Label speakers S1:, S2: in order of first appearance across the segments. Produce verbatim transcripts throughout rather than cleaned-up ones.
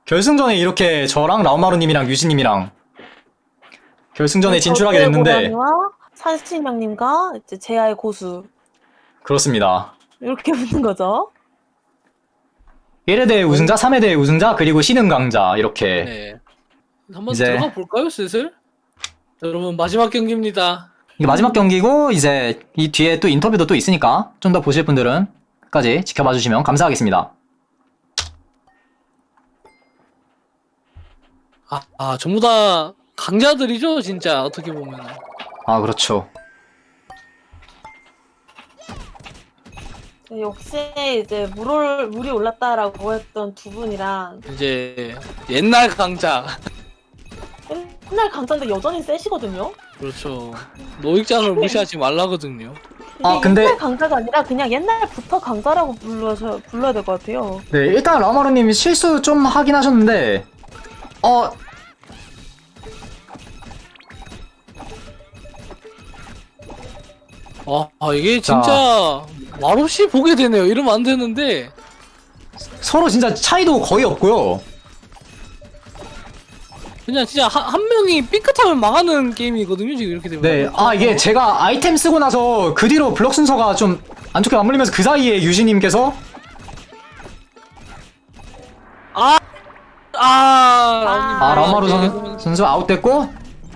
S1: 결승전에 이렇게 저랑 라우마루님이랑 유진님이랑 결승전에 진출하게 됐는데
S2: 고양이와 산신령님과 이제 제아의 고수
S1: 그렇습니다.
S2: 이렇게 붙는 거죠.
S1: 일 회 대회 우승자, 삼 회 대회 우승자, 그리고 신흥 강자 이렇게
S3: 네. 한번
S1: 이제-
S3: 들어가 볼까요, 슬슬? 여러분 마지막 경기입니다.
S1: 이게 마지막 경기고 이제 이 뒤에 또 인터뷰도 또 있으니까 좀 더 보실 분들은 까지 지켜봐 주시면 감사하겠습니다.
S3: 아, 아 전부 다 강자들이죠, 진짜 어떻게 보면.
S1: 아 그렇죠.
S2: 네, 역시 이제 물을 물이 올랐다라고 했던 두 분이랑
S3: 이제 옛날 강자.
S2: 옛날 강자인데 여전히 세시거든요.
S3: 그렇죠. 노익장을 무시하지 말라거든요.
S2: 이게
S1: 아, 근데-
S2: 옛날 강자가 아니라 그냥 옛날부터 강자라고 불러서 불러야 될 것 같아요.
S1: 네, 일단 라우마루님이 실수 좀 하긴 하셨는데 어
S3: 아, 아 이게
S1: 자.
S3: 진짜 말없이 보게 되네요. 이러면 안 되는데.
S1: 서로 진짜 차이도 거의 없고요.
S3: 그냥 진짜 한, 한 명이 삐끗하면 망하는 게임이거든요, 지금 이렇게 되면.
S1: 네, 아 이게 제가 아이템 쓰고 나서 그 뒤로 블럭 순서가 좀 안 좋게 맞물리면서 그 사이에 유진님께서
S3: 아, 아,
S1: 아 라우마루
S3: 네,
S1: 선, 선수 아웃됐고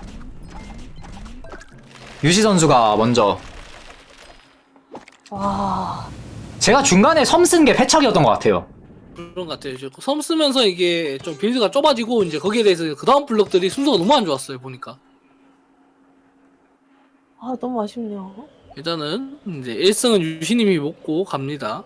S1: 유시 선수가 먼저
S2: 와,
S1: 제가 중간에 섬 쓴 게 패착이었던 것 같아요.
S3: 그런 것 같아요. 이제 섬 쓰면서 이게 좀 빌드가 좁아지고 이제 거기에 대해서 그 다음 블럭들이 순서가 너무 안 좋았어요, 보니까.
S2: 아 너무 아쉽네요.
S3: 일단은 이제 일 승은 유시님이 먹고 갑니다.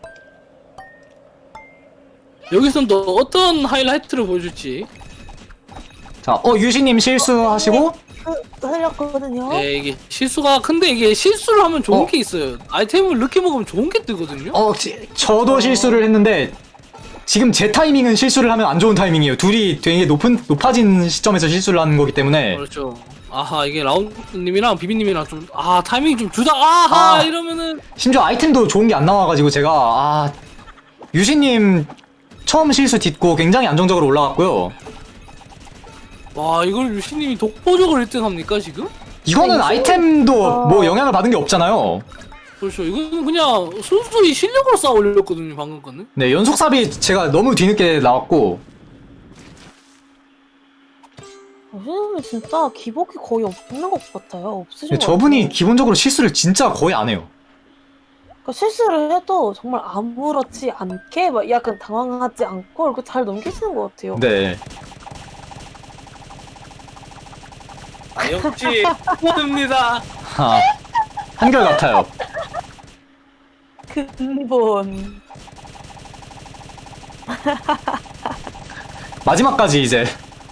S3: 여기서는 또 어떤 하이라이트를 보여줄지.
S1: 자, 어 유시님 실수하시고
S2: 그, 살렸거든요.
S3: 네, 이게 실수가 큰데 이게 실수를 하면 좋은
S1: 어?
S3: 게 있어요. 아이템을 늦게 먹으면 좋은 게 뜨거든요.
S1: 어 지- 저도 실수를 했는데 지금 제 타이밍은 실수를 하면 안 좋은 타이밍이에요. 둘이 되게 높은 높아진 시점에서 실수를 하는 거기 때문에
S3: 그렇죠. 아하, 이게 라운드님이랑 비비님이랑 좀 아 타이밍이 좀 주다. 아하,
S1: 아.
S3: 이러면은
S1: 심지어 아이템도 좋은 게 안 나와가지고 제가 아 유시님 처음 실수 딛고 굉장히 안정적으로 올라갔고요.
S3: 와, 이걸 유시님이 독보적으로 일 등 합니까 지금?
S1: 이거는
S2: 아,
S1: 아이템도
S2: 어.
S1: 뭐 영향을 받은 게 없잖아요.
S3: 그렇죠. 이거는 그냥 순수히 실력으로 쌓아 올렸거든요, 방금 거는.
S1: 네, 연속삽이 제가 너무 뒤늦게 나왔고
S2: 선생님은 진짜 기복이 거의 없는 것 같아요. 없으신
S1: 네,
S2: 것
S1: 저분이
S2: 같아요.
S1: 기본적으로 실수를 진짜 거의 안 해요.
S2: 그러니까 실수를 해도 정말 아무렇지 않게 막 약간 당황하지 않고 이렇게 잘 넘기시는 것 같아요.
S1: 네.
S3: 아, 역시 포드입니다.
S1: 아, 한결 같아요.
S2: 근본.
S1: 마지막까지 이제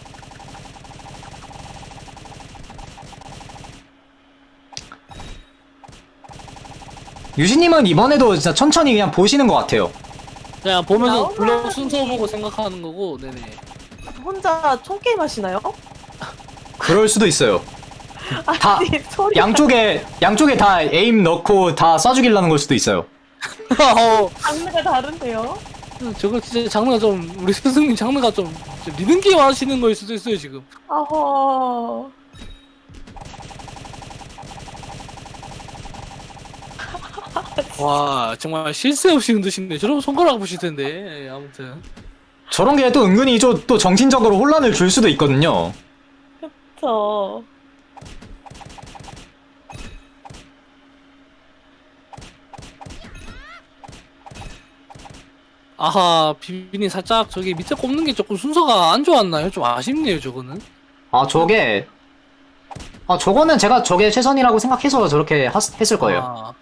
S1: 유시님은 이번에도 진짜 천천히 그냥 보시는 것 같아요.
S3: 그냥 보면서
S2: 나오면-
S3: 블록 순서 보고 생각하는 거고, 네네.
S2: 혼자 총게임 하시나요?
S1: 그럴 수도 있어요. 다
S2: 아니, 소리.
S1: 양쪽에 양쪽에 다 에임 넣고 다 쏴죽이려는 걸 수도 있어요.
S3: 어,
S2: 장르가 다른데요?
S3: 저거 진짜 장르가 좀 우리 스승님 장르가 좀, 좀 리듬 게임 하시는 거일 수도 있어요 지금.
S2: 아허.
S3: 와, 정말 실수 없이 흔드시네. 저러면 손가락 부실 텐데. 예, 아무튼.
S1: 저런 게 또 은근히 좀 또 정신적으로 혼란을 줄 수도 있거든요.
S2: 저.
S3: 아하, 비빈이 살짝 저기 밑에 꼽는 게 조금 순서가 안 좋았나요? 좀 아쉽네요, 저거는.
S1: 아 저게 아 저거는 제가 저게 최선이라고 생각해서 저렇게 하, 했을 거예요.
S3: 아,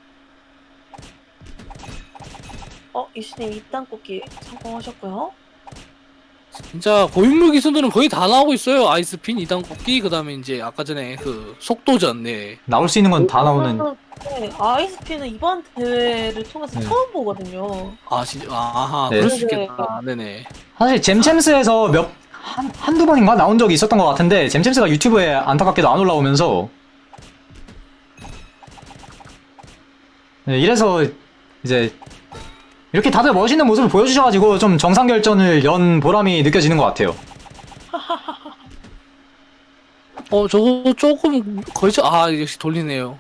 S2: 어, 이수님 이딴 뽑기 성공하셨고요.
S3: 진짜 고인물 기술들은 거의 다 나오고 있어요. 아이스핀, 이단 꼽기, 그 다음에 이제 아까 전에 그 속도전, 네.
S1: 나올 수 있는 건 다 나오는.
S2: 네, 아이스피는 이번 대회를 통해서
S1: 네.
S2: 처음 보거든요.
S3: 아, 진짜, 아하,
S1: 네.
S3: 그럴 수 있겠다. 네네.
S1: 사실 잼챔스에서 몇 한, 한두 번인가 나온 적이 있었던 것 같은데 잼챔스가 유튜브에 안타깝게도 안 올라오면서 네, 이래서 이제 이렇게 다들 멋있는 모습을 보여주셔가지고 좀 정상결전을 연 보람이 느껴지는 것 같아요.
S3: 어 저거 조금 거의 저- 아 역시 돌리네요.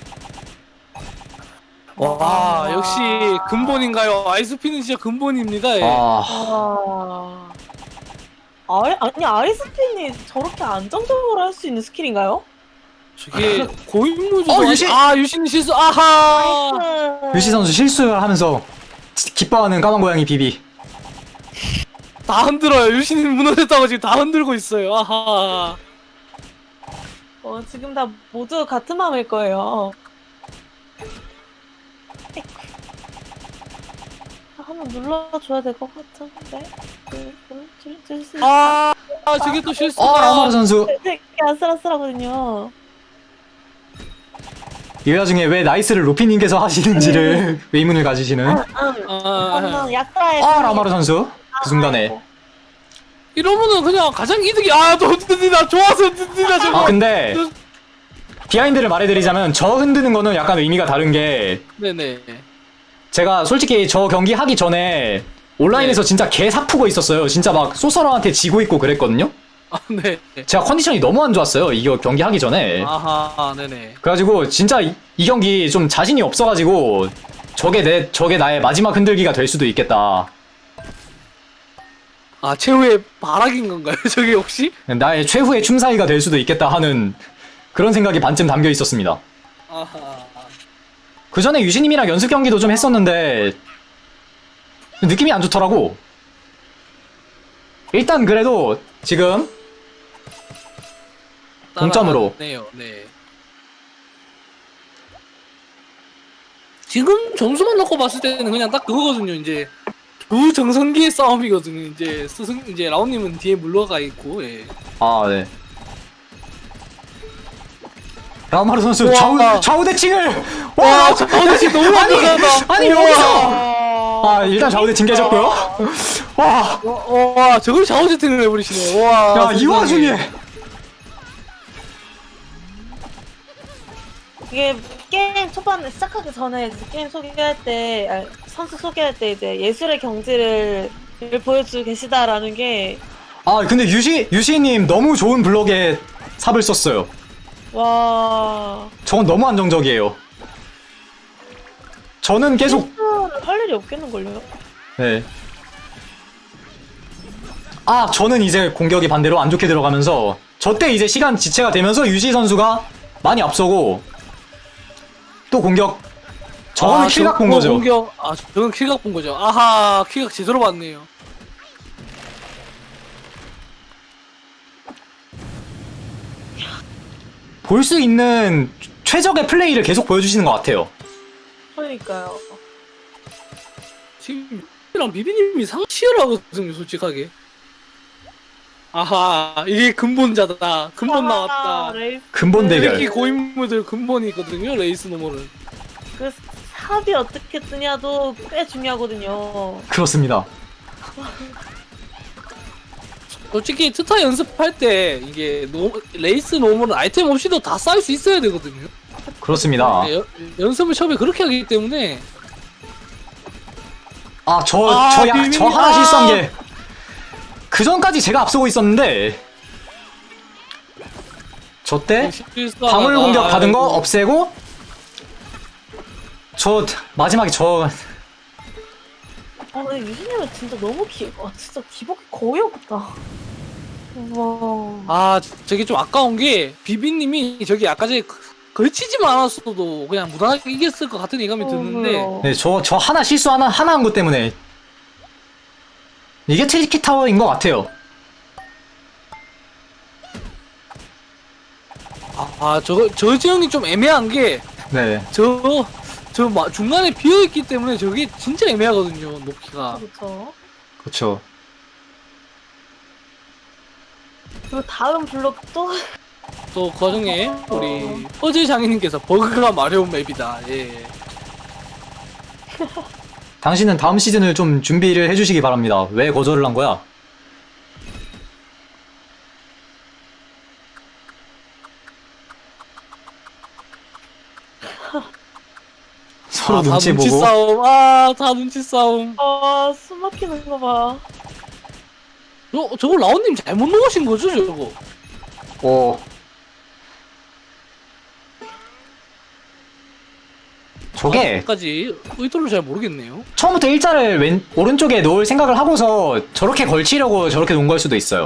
S3: 와 역시 근본인가요? 아이스피는 진짜 근본입니다. 예.
S1: 아,
S2: 아... 아리, 아니 아리스핀이 저렇게 안정적으로 할 수 있는 스킬인가요?
S3: 저게 고인물도
S1: 어, 유신!
S3: 아 유신 실수 아하.
S2: 나이스.
S1: 유시 선수 실수를 하면서 기뻐하는 까만 고양이 비비.
S3: 다 흔들어요. 유신이 무너졌다고 지금 다 흔들고 있어요. 아하.
S2: 어, 지금 다 모두 같은 마음일 거예요. 한번 눌러줘야 될 것 같은데. 그, 그, 줄, 줄 수 있어.
S3: 아, 아 저게 또 실수.
S1: 어, 라마르 선수.
S2: 되게 아슬아슬하거든요.
S1: 이 와중에 왜 나이스를 루피님께서 하시는지를 의문을 가지시는.
S2: 아,
S3: 아,
S2: 약간의.
S1: 아, 라마르 선수. 그 순간에.
S3: 이러면은 그냥 가장 이득이 아또 든든이다 좋아서 든든이다 저거.
S1: 아, 근데 비하인드를 말해드리자면 저 흔드는 거는 약간 의미가 다른 게
S3: 네네.
S1: 제가 솔직히 저 경기 하기 전에 온라인에서
S3: 네.
S1: 진짜 개 사푸고 있었어요. 진짜 막 소서러한테 지고 있고 그랬거든요.
S3: 아 네.
S1: 제가 컨디션이 너무 안 좋았어요. 이거 경기 하기 전에.
S3: 아하 네네.
S1: 그래가지고 진짜 이, 이 경기 좀 자신이 없어가지고 저게 내 저게 나의 마지막 흔들기가 될 수도 있겠다.
S3: 아 최후의 발악인 건가요 저게 혹시?
S1: 나의 최후의 춤사위가 될 수도 있겠다 하는 그런 생각이 반쯤 담겨 있었습니다.
S3: 아하.
S1: 그 전에 유신님이랑 연습 경기도 좀 했었는데 느낌이 안 좋더라고. 일단 그래도 지금 동점으로.
S3: 네요. 네. 지금 점수만 놓고 봤을 때는 그냥 딱 그거거든요. 이제 두 정성기의 싸움이거든요. 이제 스승 이제 라온님은 뒤에 물러가 있고. 예.
S1: 아 네. 라마르 선수
S3: 우와.
S1: 좌우 좌우 대칭을
S3: 와,
S1: 와
S3: 저거 진짜 너무
S1: 아니
S3: 완벽하다.
S1: 아니 여기서 아 일단 좌우 대칭 깨졌고요. 와.
S3: 와, 와, 저걸 샤워 세팅을 해버리시네. 와.
S1: 야, 이
S3: 세상에.
S1: 와중에
S2: 이게 게임 초반에 시작하기 전에 이제 게임 소개할 때, 아니, 선수 소개할 때 이제 예술의 경지를 보여주고 계시다라는 게,
S1: 아 근데 유시 유시님 너무 좋은 블럭에 삽을 썼어요.
S2: 와.
S1: 저건 너무 안정적이에요. 저는 계속
S2: 실수를 할 일이 없겠는걸요?
S1: 네. 아 저는 이제 공격이 반대로 안 좋게 들어가면서 저때 이제 시간 지체가 되면서 유시 선수가 많이 앞서고 또 공격 저거는
S3: 아,
S1: 킬각 본
S3: 저거
S1: 거죠.
S3: 공격, 아, 저건 킬각 본 거죠. 아하, 킬각 제대로 봤네요.
S1: 볼 수 있는 최적의 플레이를 계속 보여주시는 것 같아요.
S2: 그러니까요.
S3: 지금 이랑 비비님이 상치열하거든요, 솔직하게. 아하, 이게 근본자다. 근본
S2: 아,
S3: 나왔다.
S2: 레이스.
S1: 근본 대결.
S3: 특히 고인물들 근본이거든요, 레이스 노멀은.
S2: 그 삽이 어떻게 뜨냐도 꽤 중요하거든요.
S1: 그렇습니다.
S3: 솔직히 트타 연습할 때 이게 노, 레이스 노멀은 아이템 없이도 다 쌓을 수 있어야 되거든요.
S1: 그렇습니다.
S3: 네, 여- 연습을 처음에 그렇게 하기 때문에
S1: 아 저
S3: 아,
S1: 저 약 저
S3: 비밀이-
S1: 하나
S3: 아.
S1: 실수한 게 그 전까지 제가 앞서고 있었는데 저 때
S3: 실수하다가-
S1: 방울 공격 받은 거
S3: 아이고.
S1: 없애고 저 마지막에 저
S2: 아, 근데 유진님은 진짜 너무 기, 아, 진짜 기복이 거의 없다. 와.
S3: 아 저게 좀 아까운 게 비비님이 저기 아까 전에 걸치지만 않았어도 그냥 무난하게 이겼을 것 같은 예감이 드는데
S2: 어,
S1: 네, 저, 저 하나 실수 하나, 하나 한 것 때문에. 이게 트리키 타워인 것 같아요.
S3: 아, 아 저거 저 지형이 좀 애매한
S1: 네.
S3: 게 저 저 중간에 비어 있기 때문에 저게 진짜 애매하거든요 높이가.
S2: 그렇죠.
S1: 그렇죠.
S2: 그리고 다음 블록도
S3: 또 과정에 우리 어제 장인님께서 버그가 마려운 맵이다. 예.
S1: 당신은 다음 시즌을 좀 준비를 해주시기 바랍니다. 왜 거절을 한 거야? 서로
S3: 아, 다
S1: 눈치
S3: 눈치
S1: 보고.
S3: 싸움. 아, 다 눈치 싸움.
S2: 아, 숨 막히는 거 봐.
S3: 저, 저거 라온님 잘못 넣으신 거죠, 저거?
S1: 어. 저게
S3: 까지 의도를 잘 모르겠네요.
S1: 처음부터 일자를 왼 오른쪽에 놓을 생각을 하고서 저렇게 걸치려고 저렇게 놓은 걸 수도 있어요.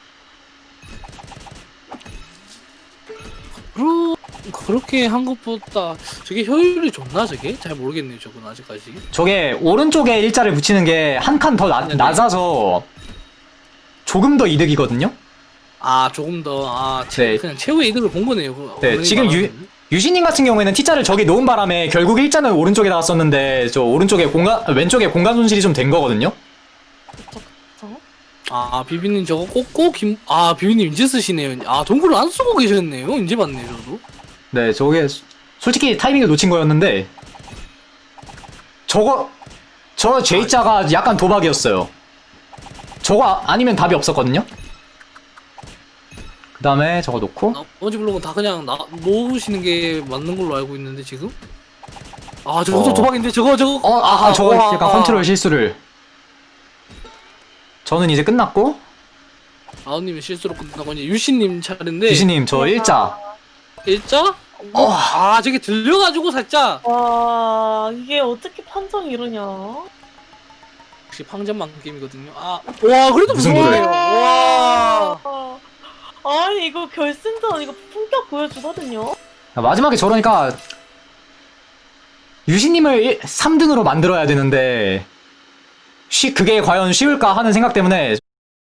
S3: 그러, 그렇게 한 것보다 저게 효율이 좋나, 저게? 잘 모르겠네요, 저건 아직까지.
S1: 저게 오른쪽에 일자를 붙이는 게 한 칸 더
S3: 네네.
S1: 낮아서 조금 더 이득이거든요.
S3: 아, 조금 더, 아, 채,
S1: 네.
S3: 그냥 최후의 이득을 본 거네요. 그
S1: 네,
S3: 어머니
S1: 지금 유,
S3: 말하는.
S1: 유신님 같은 경우에는 T자를 저기 놓은 바람에 결국 일자는 오른쪽에다가 썼는데 저 오른쪽에 공간 왼쪽에 공간 손실이 좀 된 거거든요.
S2: 저?
S3: 아, 비비님 저거 꽂고, 김, 아, 비비님 이제 쓰시네요. 아, 동굴을 안 쓰고 계셨네요. 이제 봤네요, 저도.
S1: 네, 저게 솔직히 타이밍을 놓친 거였는데 저거 저 J자가 약간 도박이었어요. 저거 아- 아니면 답이 없었거든요. 그 다음에 저거 놓고
S3: 나머지 블록은 다 그냥 나, 놓으시는 게 맞는 걸로 알고 있는데, 지금? 아, 저것도
S1: 어.
S3: 도박인데, 저거, 저거.
S1: 어, 아, 저거
S3: 와.
S1: 약간 컨트롤 실수를. 저는 이제 끝났고
S3: 아우님이 실수로 끝나고, 이제 유신님 차례인데.
S1: 유신님 저 일자.
S3: 일자?
S1: 어.
S3: 아, 저게 들려가지고 살짝.
S2: 와, 이게 어떻게 판정이 이러냐.
S3: 역시 방전만 게임이거든요. 아, 와, 그래도
S1: 무슨
S3: 무서워요.
S1: 거를.
S3: 와.
S2: 아니, 이거 결승전 이거 품격 보여주거든요.
S1: 마지막에 저러니까 유신님을 삼 등으로 만들어야 되는데 쉬 그게 과연 쉬울까 하는 생각 때문에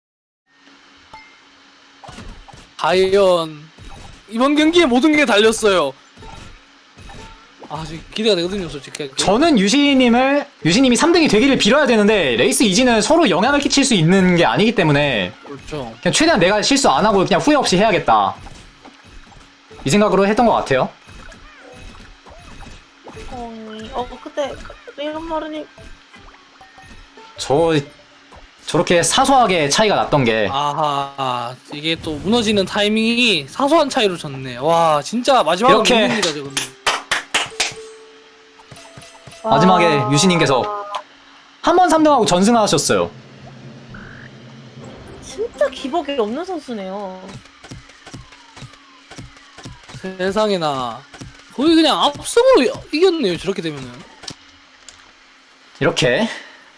S3: 과연 이번 경기에 모든 게 달렸어요. 아, 지금 기대가 되거든요, 솔직히.
S1: 저는 유신님을 유신님이 삼 등이 되기를 빌어야 되는데 레이스 이지는 서로 영향을 끼칠 수 있는 게 아니기 때문에
S3: 그렇죠.
S1: 그냥 최대한 내가 실수 안 하고 그냥 후회 없이 해야겠다 이 생각으로 했던 것 같아요.
S2: 어, 어 그때 이런 말은이
S1: 저 저렇게 사소하게 차이가 났던 게
S3: 아하, 이게 또 무너지는 타이밍이 사소한 차이로 졌네. 와, 진짜 마지막은
S1: 이렇게.
S3: 무너집니다, 저거는.
S1: 마지막에
S2: 아,
S1: 유신님께서 한 번 삼 등하고 전승하셨어요.
S2: 진짜 기복이 없는 선수네요.
S3: 세상에나. 거의 그냥 압승으로 이- 이겼네요, 저렇게 되면은.
S1: 이렇게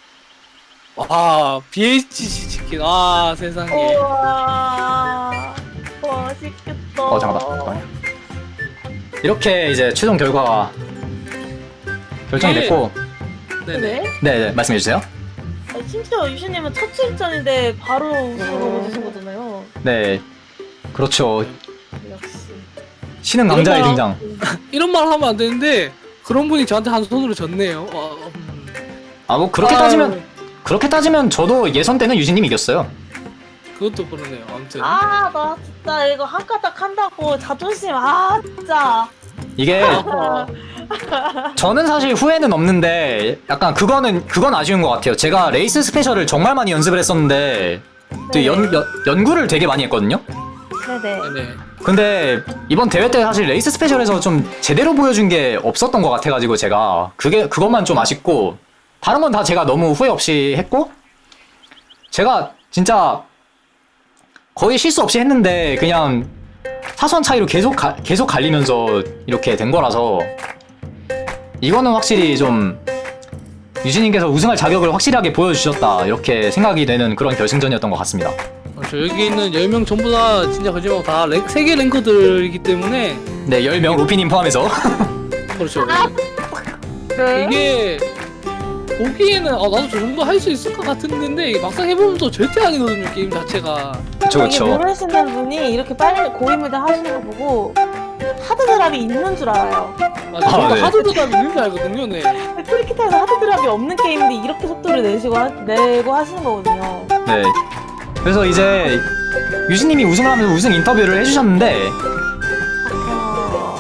S3: 와, 비에이치씨 치킨. 아, 세상에.
S2: 우와, 맛있겠다.
S1: 어 잠깐만 잠깐만요. 이렇게 이제 최종 결과가 결정이
S3: 네.
S1: 됐고
S3: 네네.
S2: 네?
S1: 네네 말씀해 주세요.
S2: 아니, 심지어 유신님은 첫 출전인데 바로 우승을 얻으신 거잖아요.
S1: 네 그렇죠.
S2: 역시.
S1: 신은 강자의
S3: 이런
S1: 등장.
S3: 이런 말 하면 안 되는데, 그런 분이 저한테 한 손으로 졌네요. 어, 음.
S1: 아 뭐 그렇게
S3: 아유,
S1: 따지면 그렇게 따지면 저도 예선 때는 유진님이 이겼어요.
S3: 그것도 그러네요. 아무튼.
S2: 아, 나 진짜 이거 한 가닥 한다고 자존심, 아, 진짜.
S1: 이게
S3: 아,
S1: 저는 사실 후회는 없는데 약간 그거는 그건 아쉬운 것 같아요. 제가 레이스 스페셜을 정말 많이 연습을 했었는데 또 연, 연, 연구를 되게 많이 했거든요.
S2: 네네.
S3: 네네.
S1: 근데 이번 대회 때 사실 레이스 스페셜에서 좀 제대로 보여준 게 없었던 것 같아가지고 제가 그게 그것만 좀 아쉽고 다른 건 다 제가 너무 후회 없이 했고 제가 진짜 거의 실수 없이 했는데 그냥 사소한 차이로 계속 가, 계속 갈리면서 이렇게 된 거라서 이거는 확실히 좀 유진님께서 우승할 자격을 확실하게 보여주셨다 이렇게 생각이 되는 그런 결승전이었던 것 같습니다.
S3: 그렇죠. 여기 있는 열 명 전부 다 진짜 거짓말 다 랭, 세계 랭커들이기 때문에.
S1: 네, 열 명 로피님 포함해서
S3: 그렇죠.
S2: 네.
S3: 이게 보기에는 아, 나도 저 정도 할 수 있을 것 같은데 막상 해보면 또 절대 아니거든요, 게임 자체가.
S1: 그쵸
S2: 이게
S1: 그쵸.
S2: 모르시는 분이 이렇게 빨리 고인물들 하시는 거 보고 하드 드랍이 있는 줄 알아요.
S3: 맞아,
S1: 아,
S3: 저도
S1: 네.
S3: 하드도 다 있는 줄 알거든요, 네.
S2: 프리키타에서 하드 드랍이 없는 게임인데 이렇게 속도를 내시고 하, 내고 하시는 거거든요.
S1: 네. 그래서 이제 유진님이 우승을 하면서 우승 인터뷰를 해주셨는데
S2: 아,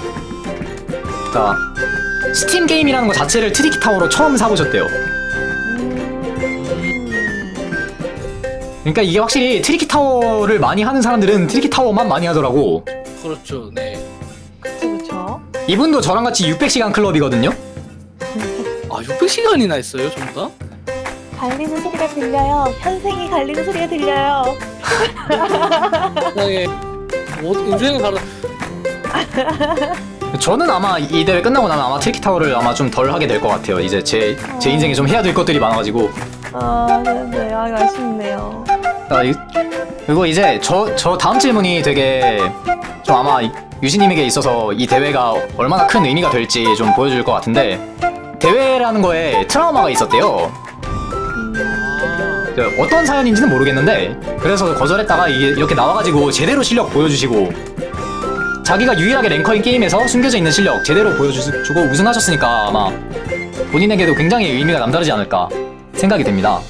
S1: 자 스팀 게임이라는 것 자체를 트리키 타워로 처음 사보셨대요.
S2: 음,
S1: 그러니까 이게 확실히 트리키 타워를 많이 하는 사람들은 트리키 타워만 많이 하더라고.
S3: 그렇죠, 네.
S2: 그쵸 그쵸.
S1: 이분도 저랑 같이 육백 시간 클럽이거든요.
S3: 시간이나 했어요, 전부 다?
S2: 갈리는 소리가 들려요. 현생이 갈리는 소리가 들려요.
S3: 세상에 뭐 인생을 가르
S1: 저는 아마 이 대회 끝나고 나면 아마 트리키타워를 아마 좀 덜 하게 될 것 같아요. 이제 제, 제 인생에 좀 해야 될 것들이 많아가지고.
S2: 아, 네네. 아, 아쉽네요.
S1: 아, 이- 그리고 이제 저, 저 다음 질문이 되게 좀 아마 유진님에게 있어서 이 대회가 얼마나 큰 의미가 될지 좀 보여줄 것 같은데, 대회라는 거에 트라우마가 있었대요. 그 어떤 사연인지는 모르겠는데, 그래서 거절했다가 이게 이렇게 나와가지고 제대로 실력 보여주시고, 자기가 유일하게 랭커인 게임에서 숨겨져 있는 실력 제대로 보여주고 우승하셨으니까 아마 본인에게도 굉장히 의미가 남다르지 않을까 생각이 됩니다.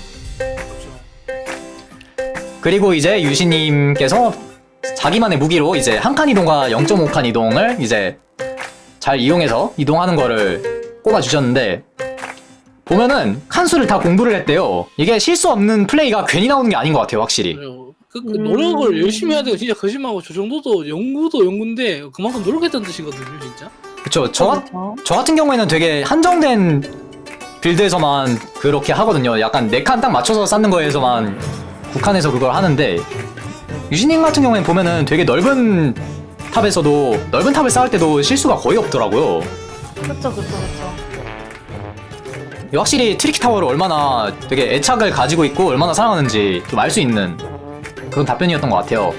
S1: 그리고 이제 유신님께서 자기만의 무기로 이제 한 칸 이동과 영 점 오 칸 이동을 이제 잘 이용해서 이동하는 거를 꼽아주셨는데, 보면은 칸수를 다 공부를 했대요. 이게 실수 없는 플레이가 괜히 나오는 게 아닌 것 같아요, 확실히.
S3: 그, 그 노력을 열심히 해야 돼요. 진짜 거짓말하고 저 정도도 연구도 연구인데 그만큼 노력했다는 뜻이거든요, 진짜.
S1: 그쵸. 저, 같-
S2: 그렇죠.
S1: 저 같은 경우에는 되게 한정된 빌드에서만 그렇게 하거든요. 약간 네 칸 딱 맞춰서 쌓는 거에서만 국한해서 그걸 하는데, 유진님 같은 경우에는 보면은 되게 넓은 탑에서도 넓은 탑을 쌓을 때도 실수가 거의 없더라고요.
S2: 그쵸, 그쵸, 그쵸.
S1: 확실히 트리키 타워를 얼마나 되게 애착을 가지고 있고 얼마나 사랑하는지 좀 알 수 있는 그런 답변이었던 것 같아요.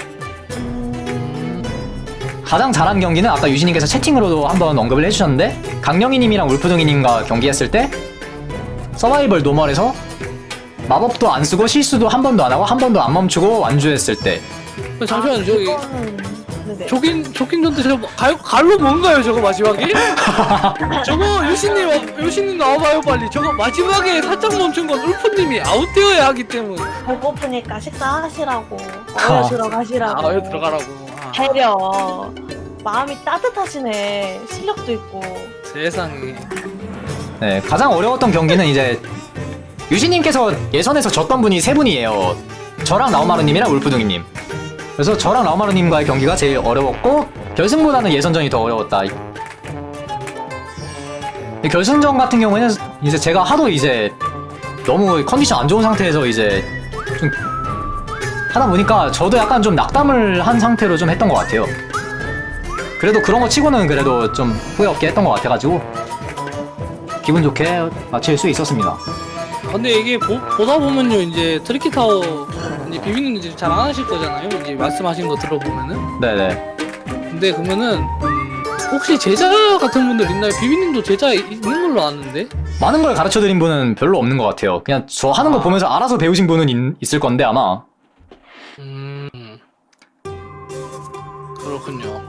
S1: 가장 잘한 경기는 아까 유진님께서 채팅으로도 한번 언급을 해주셨는데, 강령이님이랑 울프둥이님과 경기했을 때 서바이벌 노멀에서 마법도 안 쓰고 실수도 한 번도 안 하고 한 번도 안 멈추고 완주했을 때.
S3: 그 잠시만요, 저기
S2: 그거는- 네네.
S3: 조긴 조긴 전데 저거 갈, 갈로 뭔가요, 저거 마지막에? 저거 유신님 와- 유신님 나와봐요 빨리. 저거 마지막에 살짝 멈춘 건 울프님이 아웃되어야 하기 때문에.
S2: 배고프니까 식사하시라고.
S1: 아.
S2: 어여 들어가시라고.
S3: 아, 왜 들어가라고. 아,
S2: 배려. 마음이 따뜻하시네. 실력도 있고.
S3: 세상에.
S1: 네, 가장 어려웠던 경기는 이제 유진님께서 예선에서 졌던 분이 세 분이에요. 저랑 라우마르님이랑 울프둥이님. 그래서 저랑 라우마르님과의 경기가 제일 어려웠고, 결승보다는 예선전이 더 어려웠다. 이 결승전 같은 경우에는 이제 제가 하도 이제 너무 컨디션 안 좋은 상태에서 이제 좀 하다 보니까 저도 약간 좀 낙담을 한 상태로 좀 했던 것 같아요. 그래도 그런 거 치고는 그래도 좀 후회 없게 했던 것 같아가지고 기분 좋게 마칠 수 있었습니다.
S3: 근데 이게 보, 보다 보면요, 이제 트리키 타워 이제 비비는 이제 잘 안 하실 거잖아요. 이제 말씀하신 거 들어보면은.
S1: 네네.
S3: 근데 그러면은 음, 혹시 제자 같은 분들 있나요? 비비님도 제자 이- 있는 걸로 아는데.
S1: 많은 걸 가르쳐드린 분은 별로 없는 것 같아요. 그냥 저 하는 거
S3: 아.
S1: 보면서 알아서 배우신 분은 있, 있을 건데 아마.
S3: 음. 그렇군요.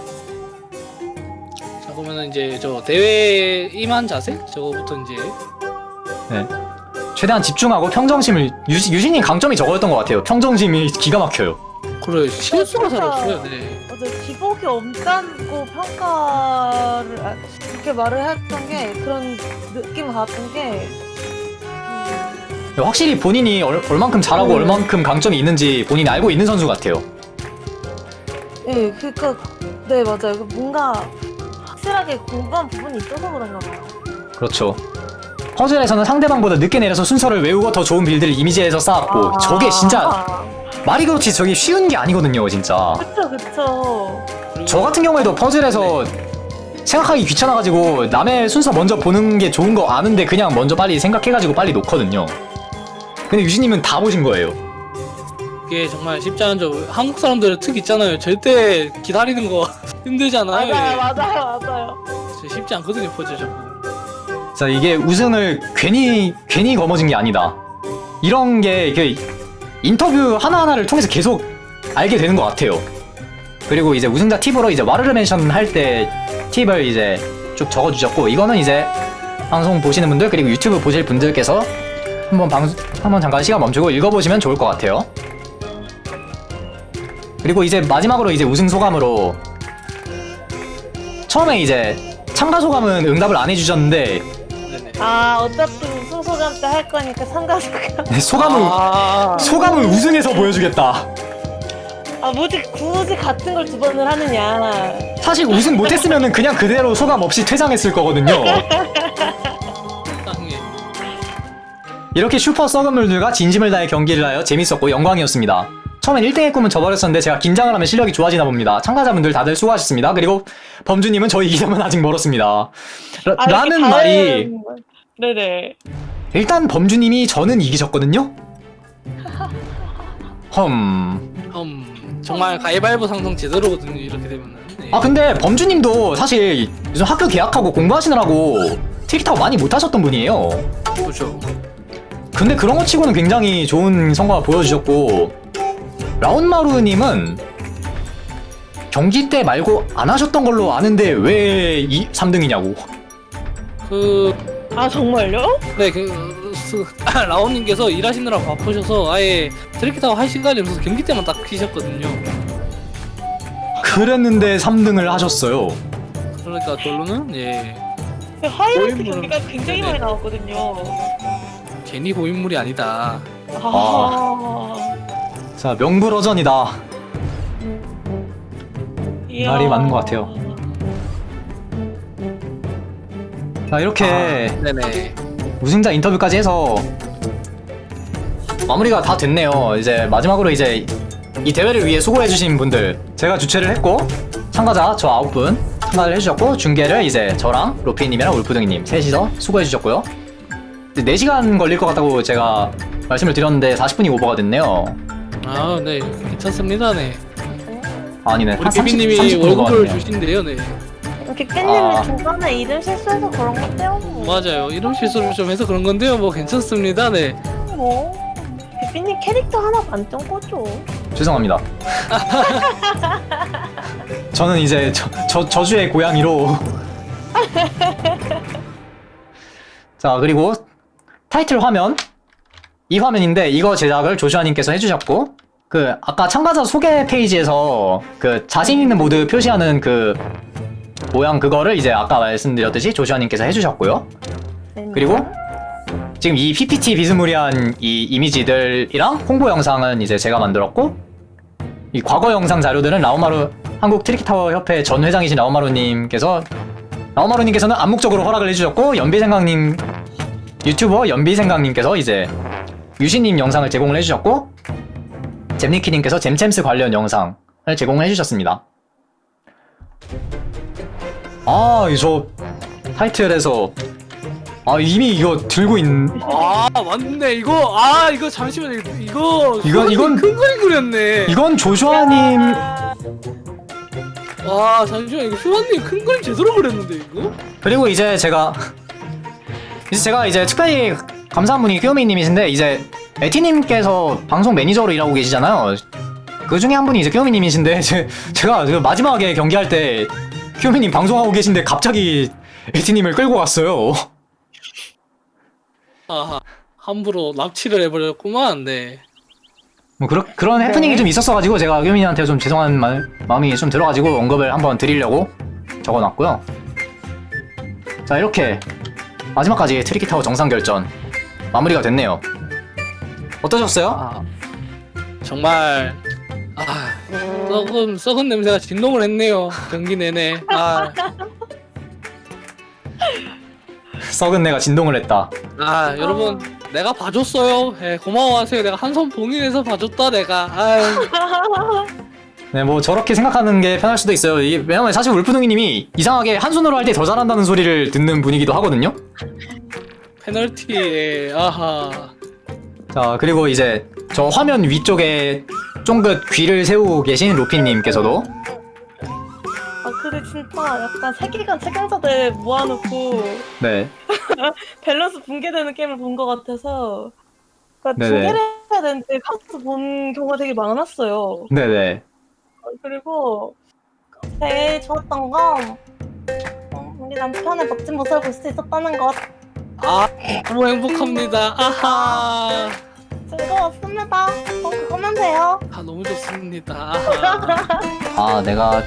S3: 자, 그러면은 이제 저 대회 임한 자세? 저거부터 이제
S1: 네. 최대한 집중하고 평정심을, 유시, 유신님 강점이 저거였던 것 같아요. 평정심이 기가 막혀요.
S3: 그래 실수가 잘
S2: 진짜.
S3: 없어요. 네.
S2: 맞아, 기복이 없다고 평가를 아, 그렇게 말을 했던 게 그런 느낌 받았던 게 음,
S1: 확실히 본인이 얼, 얼만큼 잘하고
S2: 음.
S1: 얼만큼 강점이 있는지 본인이 알고 있는 선수 같아요.
S2: 예, 그니까 네 맞아요. 그 뭔가 확실하게 공부한 부분이 있어서 그런가 봐요.
S1: 그렇죠. 퍼즐에서는 상대방보다 늦게 내려서 순서를 외우고 더 좋은 빌드를 이미지에서 쌓았고,
S2: 아,
S1: 저게 진짜
S2: 아,
S1: 말이 그렇지 저게 쉬운 게 아니거든요, 진짜.
S2: 그쵸 그쵸.
S3: 그리고
S1: 저 같은 경우에도 퍼즐에서 생각하기 귀찮아가지고 남의 순서 먼저 보는 게 좋은 거 아는데 그냥 먼저 빨리 생각해가지고 빨리 놓거든요. 근데 유진님은 다 보신 거예요.
S3: 이게 정말 쉽지 않은 점. 한국 사람들의 특 있잖아요. 절대 기다리는 거 힘들잖아요.
S2: 맞아요 맞아요 맞아요.
S3: 진짜 쉽지 않거든요, 퍼즐 자꾸.
S1: 자, 이게 우승을 괜히 괜히 거머쥔 게 아니다. 이런 게 이게 인터뷰 하나하나를 통해서 계속 알게 되는 것 같아요. 그리고 이제 우승자 팁으로 이제 와르르 멘션 할 때 팁을 이제 쭉 적어주셨고, 이거는 이제 방송 보시는 분들 그리고 유튜브 보실 분들께서 한번 방송 한번 잠깐 시간 멈추고 읽어보시면 좋을 것 같아요. 그리고 이제 마지막으로 이제 우승 소감으로, 처음에 이제 참가 소감은 응답을 안 해주셨는데
S3: 네네.
S2: 아 어차피 우승 소감 때 할 거니까 참가 소감.
S1: 소감은
S3: 아,
S1: 소감은 우승해서 보여주겠다.
S2: 아 뭐지 굳이 같은 걸 두 번을 하느냐.
S1: 사실 우승 못했으면은 그냥 그대로 소감 없이 퇴장했을 거거든요.
S3: 땅에
S1: 이렇게 슈퍼 썩은물들과 진심을 다해 경기를 하여 재밌었고 영광이었습니다. 처음엔 일 등의 꿈은 저버렸었는데 제가 긴장을 하면 실력이 좋아지나 봅니다. 참가자분들 다들 수고하셨습니다. 그리고 범주님은 저희 이기려면 아직 멀었습니다. 라,
S2: 아,
S1: 라는
S2: 이렇게
S1: 말이
S2: 다른- 네네.
S1: 일단 범주님이 저는 이기셨거든요? 험...
S3: 음, 정말 가위바위보 상성 제대로거든요. 이렇게 되면은. 네.
S1: 아 근데 범주님도 사실 요즘 학교 개학하고 공부하시느라고 트릭타워 많이 못하셨던 분이에요.
S3: 그렇죠.
S1: 근데 그런 거 치고는 굉장히 좋은 성과 보여주셨고 라운마루님은 경기 때 말고 안 하셨던 걸로 아는데 왜 이 삼 등이냐고.
S3: 그,
S2: 아 정말요?
S3: 네, 그, 그 라온님께서 일하시느라 바쁘셔서 아예 트리키타워 할 시간이 없어서 경기 때만 딱 키셨거든요.
S1: 그랬는데 삼 등을 하셨어요.
S3: 그러니까 결론은 예
S2: 하이라이트
S3: 고인물은-
S2: 경기가 굉장히
S3: 네네.
S2: 많이 나왔거든요.
S3: 괜히 고인물이 아니다.
S2: 아.
S1: 자 명불허전이다.
S2: 이야.
S1: 말이 맞는 것 같아요. 자 이렇게
S3: 아, 네네.
S1: 우승자 인터뷰까지 해서 마무리가 다 됐네요. 이제 마지막으로 이제 이 대회를 위해 수고해주신 분들 제가 주최를 했고 참가자 저 아홉 분 참가를 해주셨고 중계를 이제 저랑 로피님이랑 울프등이님 셋이서 수고해주셨고요. 네 시간 걸릴 것 같다고 제가 말씀을 드렸는데 사십 분이 오버가 됐네요.
S3: 아, 네, 괜찮습니다. 네.
S1: 아니네.
S3: 우리
S1: 한 삼십,
S3: 비비님이
S1: 삼십 분
S3: 월급을
S1: 오버가 됐네요.
S3: 주신대요. 네.
S2: 빅빈님이
S1: 아.
S2: 중간에 이름 실수해서 그런 건데요.
S3: 맞아요. 이름 실수를 좀 해서 그런 건데요. 뭐 괜찮습니다. 네.
S2: 뭐 빅빈님 캐릭터 하나 만점 꽂죠.
S1: 죄송합니다. 저는 이제 저, 저, 저주의 고양이로 자 그리고 타이틀 화면 이 화면인데 이거 제작을 조슈아님께서 해주셨고 그 아까 참가자 소개 페이지에서 그 자신 있는 모드 표시하는 그 모양 그거를 이제 아까 말씀드렸듯이 조슈아님께서 해주셨고요. 그리고 지금 이 피피티 비스무리한 이 이미지들이랑 홍보 영상은 이제 제가 만들었고 이 과거 영상 자료들은 라오마루 한국 트리키타워 협회 전 회장이신 라오마루님께서 라오마루님께서는 암묵적으로 허락을 해주셨고 연비생강님 유튜버 연비생강님께서 이제 유신님 영상을 제공을 해주셨고 잼니키님께서 잼챔스 관련 영상을 제공을 해주셨습니다. 아, 이 저 타이틀에서 아 이미 이거 들고 있
S3: 아, 맞네. 이거 아, 이거 잠시만 이거 이거
S1: 이건- 이건-
S3: 큰 그림 그렸네.
S1: 이건 조슈아님
S3: 와, 잠시만 이거 휴아님 큰 그림 제대로 그렸는데 이거?
S1: 그리고 이제 제가 이제 제가 이제 특별히 감사한 분이 끼오미님이신데 이제 에티님께서 방송 매니저로 일하고 계시잖아요. 그 중에 한 분이 이제 끼오미님이신데 제, 제가 그 마지막에 경기할 때 끼오미님 방송하고 계신데 갑자기 에티님을 끌고 갔어요.
S3: 아하, 함부로 납치를 해버렸구만. 네.
S1: 뭐 그런 그런 해프닝이 좀 있었어가지고 제가 끼오미님한테 좀 죄송한 말, 마음이 좀 들어가지고 언급을 한번 드리려고 적어놨고요. 자 이렇게 마지막까지 트리키타워 정상 결전 마무리가 됐네요. 어떠셨어요?
S3: 아, 정말 아, 썩은 썩은 냄새가 진동을 했네요. 경기 내내. 아,
S1: 썩은 내가 진동을 했다.
S3: 아 여러분 내가 봐줬어요. 예, 고마워하세요. 내가 한 손 봉인해서 봐줬다 내가. 아유.
S1: 네, 뭐 저렇게 생각하는 게 편할 수도 있어요. 이게 왜냐면 사실 울프둥이님이 이상하게 한 손으로 할 때 더 잘한다는 소리를 듣는 분이기도 하거든요.
S3: 페널티에 아하.
S1: 자 그리고 이제 저 화면 위쪽에 쫑긋 귀를 세우고 계신 로피님께서도
S2: 아 근데 진짜 약간 세계관 책임자들 모아놓고
S1: 네,
S2: 밸런스 붕괴되는 게임을 본 것 같아서 그러니까
S1: 네네.
S2: 붕괴를 해야 되는데 카운트 본 경우가 되게 많았어요.
S1: 네네.
S2: 그리고 제일 좋았던 건 어, 우리 남편의 멋진 모습을 볼 수 있었다는 것.
S3: 아 너무 행복합니다. 아하.
S2: 즐거웠습니다. 어, 그거면 돼요.
S3: 아 너무 좋습니다. 아하.
S1: 아 내가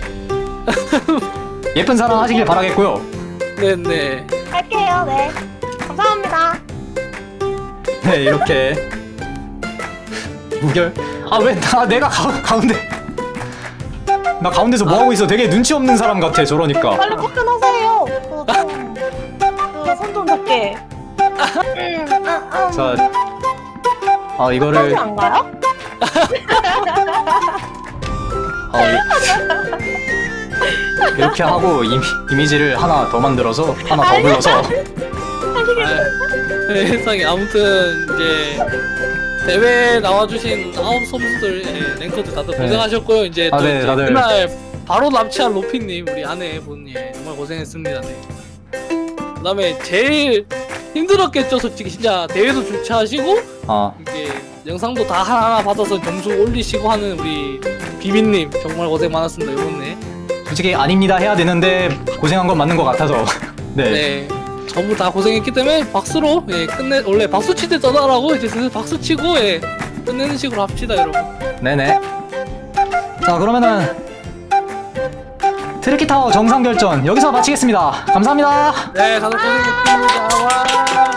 S1: 예쁜 사랑 하시길 바라겠고요.
S3: 네네.
S2: 할게요. 네. 감사합니다.
S1: 네 이렇게 무결. 아 왜 나 내가 가, 가운데 나 가운데서 뭐 하고 있어? 되게 눈치 없는 사람 같아 저러니까.
S2: 빨리 퇴근하세요. 그손좀 잡게.
S1: 자, 아
S2: 하지
S1: 이거를
S2: 안 가요?
S1: 어, 이- 이렇게 하고 이미, 이미지를 하나 더 만들어서 하나 더 불러서
S3: 아, 네, 세상에 아무튼 이제 대회 나와주신 아홉 선수들 예, 랭커들 다들
S1: 네.
S3: 고생하셨고요. 이제 또
S1: 아, 네,
S3: 이제
S1: 다들.
S3: 그날 바로 납치한 로피님 우리 아내분 예, 정말 고생했습니다. 네. 그다음에 제일 힘들었겠죠, 솔직히 진짜 대회도 주최하시고
S1: 아
S3: 이게 영상도 다 하나하나 받아서 점수 올리시고 하는 우리 비빈님 정말 고생 많았습니다 이번에.
S1: 솔직히 아닙니다 해야 되는데 고생한 건 맞는 것 같아서 네.
S3: 네. 전부 다 고생했기 때문에 박수로 예, 끝내 원래 박수 치듯 떠나라고 이제 슬슬 박수 치고 예, 끝내는 식으로 합시다 여러분.
S1: 네네. 자 그러면은 트리키타워 정상 결전 여기서 마치겠습니다. 감사합니다.
S3: 네 다들 고생했습니다. 와.